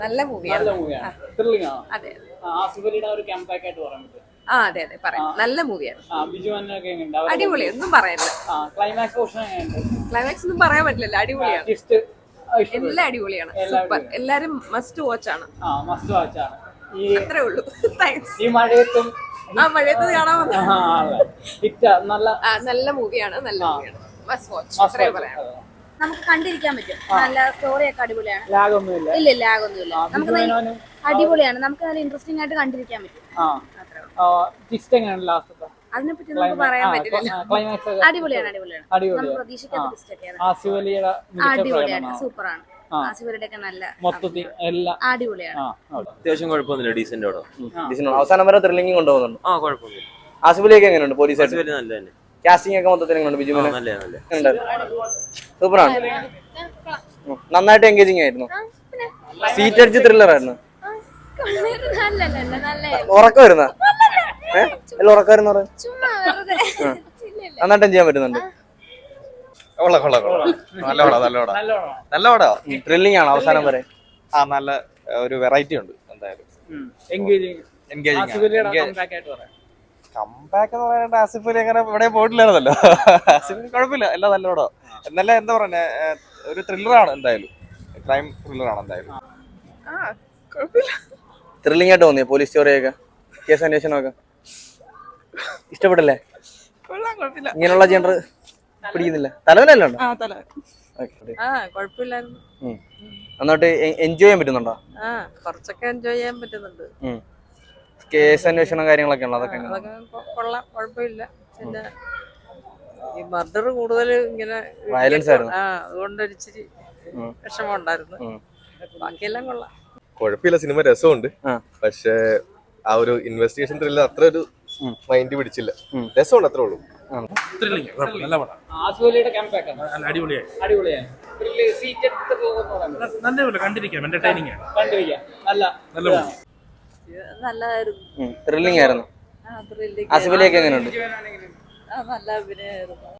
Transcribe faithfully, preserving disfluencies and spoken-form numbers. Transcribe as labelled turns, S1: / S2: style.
S1: നല്ല മൂവിയാണ്.
S2: നല്ല മൂവിയാണ്. ത്രില്ലിംഗ് ആണ്.
S1: അതെ
S2: ആസിഫലിയുടെ ഒരു കംബാക്ക് ആയിട്ട് പറയാൻ പറ്റും.
S1: ആ അതെ അതെ പറയാം. നല്ല മൂവിയാണ്.
S2: ആ ബിജു മേനോനൊക്കെ എങ്ങനെയുണ്ട്? അവരുടെ
S1: അടിപൊളി, ഒന്നും പറയല്ല.
S2: ആ ക്ലൈമാക്സ് പോർഷൻ എങ്ങനെയുണ്ട്?
S1: ക്ലൈമാക്സ് ഒന്നും പറയാൻ പറ്റില്ല, അടിപൊളിയാണ്.
S2: ട്വിസ്റ്റ്
S1: എല്ലാം അടിപൊളിയാണ്, സൂപ്പർ. എല്ലാരും മസ്റ്റ് വാച്ച് ആണ്.
S2: ആ മസ്റ്റ് വാച്ച് ആണ്. ഈ
S1: അത്രേ ഉള്ളൂ. താങ്ക്സ്.
S2: ഈ മഴയത്തും
S1: ആ മഴയത്ത് കാണാൻ വന്ന
S2: ആ, അതെ. ഹിറ്റ് നല്ല
S1: ആ, നല്ല മൂവിയാണ്, നല്ല മൂവിയാണ്. മസ്റ്റ് വാച്ച്,
S2: must
S1: അത്രേ
S2: watch.
S1: പറയാം.
S3: നമുക്ക് കണ്ടിരിക്കാൻ പറ്റും. നല്ല സ്റ്റോറി ഒക്കെ അടിപൊളിയാണ്.
S2: ലാഗ് ഒന്നുമില്ല.
S3: ഇല്ല ഇല്ല ആകൊന്നുമില്ല. നമുക്ക് നല്ല-
S2: മേനോനും
S3: അടിപൊളിയാണ്. നമുക്ക് നല്ല ഇൻട്രസ്റ്റിംഗ് ആയിട്ട് കണ്ടിരിക്കാൻ പറ്റും.
S2: ആ
S3: അത്രേ ഉള്ളൂ.
S2: ട്വിസ്റ്റ് എങ്ങനെയാണ് ലാസ്റ്റ്?
S3: അതിനെപ്പറ്റി നമുക്ക് പറയാൻ പറ്റില്ല.
S2: ക്ലൈമാക്സ്
S3: അടിപൊളിയാണ് അടിപൊളിയാണ്. നമ്മൾ
S2: അടിപൊളിയാണ്.
S3: പ്രതീക്ഷിക്കാത്ത twist ഒക്കെയാണ്.
S2: ആസിഫലിയുടെ
S3: അടിപൊളിയാണ്, സൂപ്പറാണ്. ആസിഫലിയുടെ ഒക്കെ നല്ല
S2: മൊത്തത്തിൽ എല്ലാം
S3: അടിപൊളിയാണ്.
S2: ആ അവിടെ.
S4: അത്യാവശ്യം കുഴപ്പമൊന്നുമില്ല, ഡീസന്റ് അവിടെ.
S5: ഡീസന്റ് അവസാനം വരെ ത്രില്ലിംഗ് കൊണ്ടുപോകുന്നുണ്ട്.
S4: ആ കുഴപ്പമൊന്നുമില്ല,
S5: ആസിഫലിയൊക്കെ എങ്ങനെയുണ്ട്? പോലീസായിട്ട്
S4: വലിയ നല്ല തന്നെ.
S5: കാസ്റ്റിംഗ് ഒക്കെ മൊത്തത്തിൽ എങ്ങനെയുണ്ട്? ബിജു മേനോൻ
S4: നല്ല നല്ല
S5: സൂപ്പറാണ്, നന്നായിട്ട് എൻഗേജിങ് ആയിരുന്നു. സീറ്റ് അടിച്ച് ത്രില്ലർ ആയിരുന്നു. ഉറക്കം വരുന്ന ഏഹ് എല്ലാം ഉറക്കം വരുന്ന നന്നായിട്ട് ചെയ്യാൻ പറ്റുന്നുണ്ട്.
S2: നല്ല
S5: ത്രില്ലിംഗ് ആണ് അവസാനം വരെ.
S6: ആ നല്ല ഒരു വെറൈറ്റി ഉണ്ട് എന്തായാലും.
S2: എൻഗേജിങ്
S6: എൻഗേജിങ്
S2: ആസിഫലിയുടെ കംബാക്ക് ആയിട്ട് പറയാം.
S6: കംബാക്ക് എന്ന് പറയാണ്ട് ആസിഫ് അലി അങ്ങനെ ഇവിടെ പോയിട്ടില്ലായിരുന്നല്ലോ. ആസിഫ് അലി കുഴപ്പമില്ല, എല്ലാം നല്ല പടം. എന്നല്ല എന്താ പറയുക, ഒരു ത്രില്ലറാണ് എന്തായാലും, ക്രൈം ത്രില്ലറാണ് എന്തായാലും.
S5: ത്രില്ലിംഗ് ആയിട്ട് തോന്നിയ പോലീസ് സ്റ്റോറിയൊക്കെ, കേസ് അന്വേഷണമൊക്കെ ഇഷ്ടപ്പെട്ടില്ലേ? ഇങ്ങനെയുള്ള ജനറൽ പിടിക്കുന്നില്ല. തലവനല്ലോ ഉണ്ടോ?
S1: ആ കുഴപ്പമില്ലായിരുന്നു.
S5: നന്നായിട്ട് എൻജോയ് ചെയ്യാൻ പറ്റുന്നുണ്ടോ?
S1: ആ കുറച്ചൊക്കെ എൻജോയ് ചെയ്യാൻ പറ്റുന്നുണ്ട്.
S5: കേസ് അന്വേഷണം കാര്യങ്ങളൊക്കെ ഉണ്ടോ? അതൊക്കെ എങ്ങനെ?
S1: അതൊക്കെ കൊ- കൊള്ളാം, കുഴപ്പമില്ല. പിന്നെ ഈ മർഡർ കൂടുതൽ ഇങ്ങനെ
S5: Violence ആയിരുന്നു.
S1: ആ അതുകൊണ്ട് ഒരിച്ചിരി വിഷമം ഉണ്ടായിരുന്നു. ബാക്കിയെല്ലാം കൊള്ളാം.
S7: കുഴപ്പമില്ല, സിനിമ രസമുണ്ട്.
S5: ആ.
S7: പക്ഷേ ആ ഒരു ഇൻവെസ്റ്റിഗേഷൻ ത്രില്ലർ അത്ര ഒരു മൈൻഡ് പിടിച്ചില്ല. രസമുണ്ട്, അത്രേ ഉള്ളൂ.
S8: നല്ല പടം,
S2: ആസിഫലിയുടെ കംബാക്ക് ആണ്.
S8: നല്ല അടിപൊളിയായി,
S2: അടിപൊളിയാണ്. ത്രില്ല് സീറ്റ് എടുത്ത് പോകുന്ന പറയാൻ പറ്റും.
S8: നല്ലപോലെ കണ്ടിരിക്കാം, എന്റർടൈനിങ് ആണ്,
S2: കണ്ടിരിക്കാം. നല്ല
S8: നല്ല
S2: ഇതാണ്.
S1: നല്ലതായിരുന്നു.
S5: ത്രില്ലിംഗ് ആയിരുന്നു.
S1: ആ ത്രില്ലിംഗ്.
S5: ആസിഫലിയൊക്കെ എങ്ങനെയുണ്ട്?
S2: ബിജു മേനോൻ എങ്ങനെയുണ്ട്?
S1: ആ നല്ല അഭിനയമായിരുന്നു.